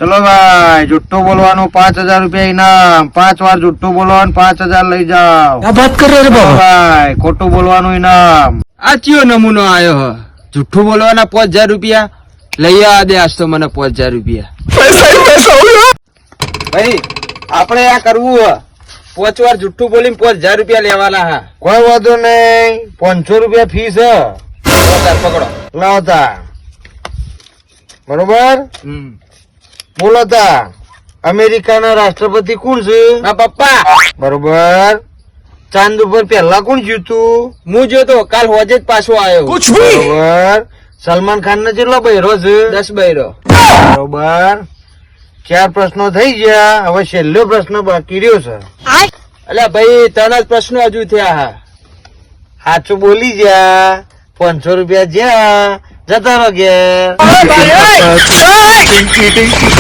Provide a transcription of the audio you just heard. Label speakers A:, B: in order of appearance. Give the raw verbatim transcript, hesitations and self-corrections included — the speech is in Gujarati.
A: ચલો ભાઈ જુઠ્ઠું બોલવાનું પાંચ હજાર રૂપિયા ઇનામ. પાંચ વાર જુઠ્ઠું બોલવાનું પાંચ હજાર લઈ જાઓ.
B: क्या बात कर रहे रे बाबा?
A: ભાઈ ખોટું બોલવાનું ઇનામ.
C: આ ચિયો નમૂનો આવ્યો હ જુઠ્ઠું બોલવાના પાંચ હજાર રૂપિયા લઈ આ દે આજ તો મને પાંચ હજાર રૂપિયા. ભાઈ આપણે આ કરવું હ પાંચ વાર જુઠ્ઠું બોલીને પાંચ હજાર રૂપિયા લેવાના હા.
A: કોઈ વાંધો નહીં. પાંચસો રૂપિયા ફીસ હ.
C: પાંચ હજાર પકડો.
A: લાવતા બરોબર.
C: હમ
A: બોલો તા અમેરિકાના રાષ્ટ્રપતિ કોણ છે?
C: હા પપ્પા
A: બરોબર. ચાંદ ઉપર પહેલા કોણ જીતું?
C: હું જોતો કાલ હોજે જ પાછો આવ્યો.
A: બરોબર. સલમાન ખાન ને કેટલો બૈરો છે?
C: દસ બૈરો.
A: બરોબર. ચાર પ્રશ્નો થઈ ગયા. હવે છેલ્લો પ્રશ્ન બાકી રહ્યો છે.
C: અલ્યા ભાઈ ત્રણ જ પ્રશ્નો હજુ થયા હા.
A: સાચું બોલી જા. પાંચસો રૂપિયા જ્યાં જતા રહો ઘેર.